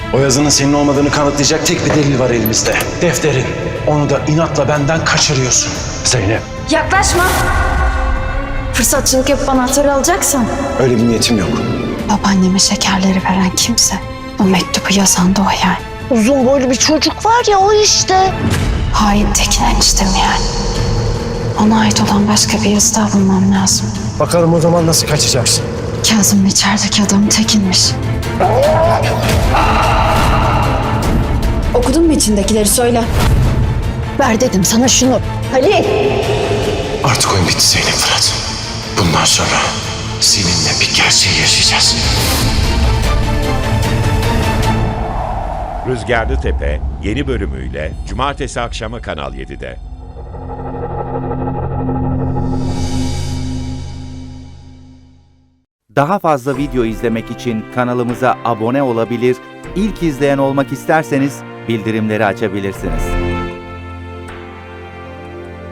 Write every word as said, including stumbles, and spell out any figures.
O yazının senin olmadığını kanıtlayacak tek bir delil var elimizde. Defterin. Onu da inatla benden kaçırıyorsun. Zeynep. Yaklaşma. Fırsatçılık yapıp anahtarı alacaksan. Öyle bir niyetim yok. Babaanneme şekerleri veren kimse. O mektubu yazan da o yani. Uzun boylu bir çocuk var ya, o işte. Hain Tekin eniştem yani. Ona ait olan başka bir yazı daha bulmam lazım. Bakalım o zaman nasıl kaçacaksın? Kazım'ın içerideki adam Tekin'miş. Okudun mu içindekileri, söyle. Ver dedim sana şunu. Halil. Artık oyun bitti Zeynep Fırat. Bundan sonra seninle bir gerçeği yaşayacağız. Rüzgarlı Tepe yeni bölümüyle Cumartesi akşamı Kanal yedide. Daha fazla video izlemek için kanalımıza abone olabilir, ilk izleyen olmak isterseniz bildirimleri açabilirsiniz.